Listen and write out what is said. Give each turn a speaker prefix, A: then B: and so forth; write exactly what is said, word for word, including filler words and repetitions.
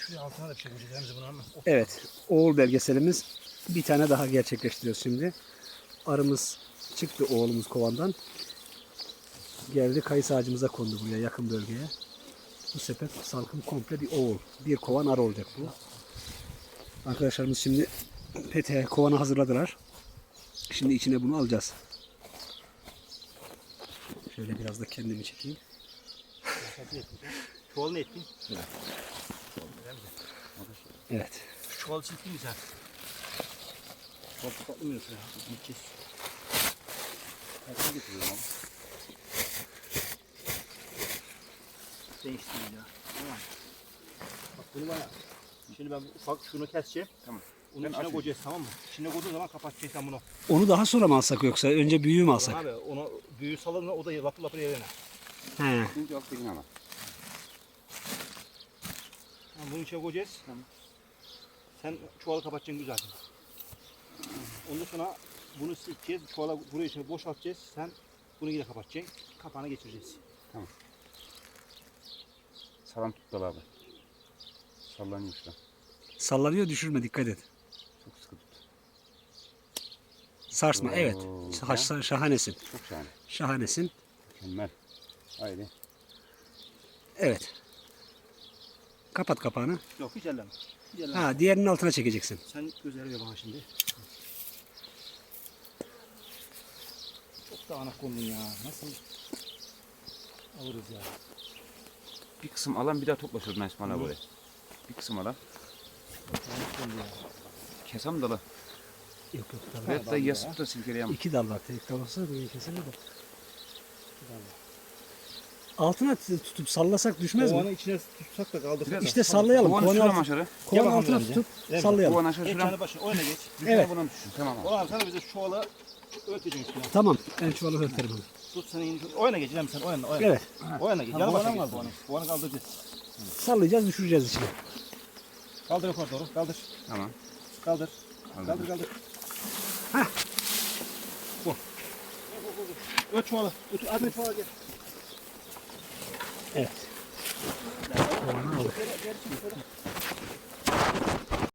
A: Şuraya altına da bir şey koyacağız bunu ama.
B: Evet, oğul belgeselimiz bir tane daha gerçekleştiriyoruz şimdi. Arımız çıktı oğlumuz kovandan. Geldi kayısı ağacımıza kondu buraya yakın bölgeye. Bu sepet salkım komple bir oğul. Bir kovan arı olacak bu. Arkadaşlarımız şimdi peteğe kovanı hazırladılar. Şimdi içine bunu alacağız. Şöyle biraz da kendimi çekeyim.
A: Çuval ne ettin?
B: Evet.
A: Şu çuvalı çektin mi sen? Çuval toplamıyorsun ya. Gideceğiz. Ben getiriyorum abi. Değiştireyim ya. Tamam. Bak bunu bana. Şimdi ben ufak şunu keseceğim. Tamam. Onun ben içine açayım. Koyacağız, tamam mı? İçine koyduğun zaman kapatacaksın bunu.
B: Onu daha sonra mı alsak yoksa önce büyüğü mü alsak?
A: Abi onu büyüğü salın o da lapır lapır yerine.
B: He.
C: Şimdi alt birini ama.
A: Tamam, bunun içine koyacağız. Tamam. Sen çuvalı kapatacaksın güzel. Ondan sonra bunu sileceğiz. Çuvala buraya içine boşaltacağız. Sen bunu yine kapatacaksın. Kapağına geçireceğiz.
C: Tamam. Sağlam tut dal abi. Sallanıyor şu an.
B: Sallanıyor, düşürme, dikkat et.
C: Çok sıkı tut.
B: Sarsma,
C: Oo,
B: evet.
C: ha?
B: Şah- şahanesin.
C: Çok şahane.
B: Şahanesin.
C: Mükemmel. Haydi.
B: Evet. Kapat kapağını.
A: Yok hiç elleme. Hiç elleme.
B: Ha, diğerinin altına çekeceksin.
A: Sen gözleri ver bana şimdi. Çok dağınık kondun ya. Nasıl alırız ya?
C: Bir kısım alan bir daha topla şuradan İsmail abi oraya. Bir kısım alan.
A: Dağınık kondu ya.
C: Kesem dalı.
B: Yok yok.
C: Evet de yasıp da silkeleyem.
B: İki dal var. Tek dal olsa böyle kesilir de. Altına tutup sallasak düşmez mi?
A: Kovanı içine tutsak da kaldırsak.
B: İşte sallayalım.
C: Kovanı
B: Kovanın,
C: şuram
B: altı,
C: aşağı.
B: kovanın
A: Gel
B: altına
A: bakalım
B: tutup
A: önce.
B: sallayalım.
C: Kovan aşağı
A: Geç
C: şuram.
A: yanı başına oyna geç.
C: Düşene
B: Evet.
C: buna düşsün. Tamam abi.
A: Ulan sana bize çuvala öteceksin üstüne.
B: Tamam. Ben çuvalı örterim onu.
A: Tut sen in. Oyna geç lan sen oyna oyna.
B: Evet.
A: Oyna geç.
B: Ha,
A: Yanı
B: kovanı
A: başına
B: mı
A: geç kovanı. Kovanı kaldıracağız.
B: Sallayacağız, düşüreceğiz içine.
A: Kaldır yukarı doğru. Kaldır.
C: Tamam.
A: Kaldır.
C: Kaldır.
A: Kaldır kaldır.
B: Hah.
A: Bu. Öt çuvalı. Öt. Hadi çuvala gel.
B: Evet. Kovanı aldık.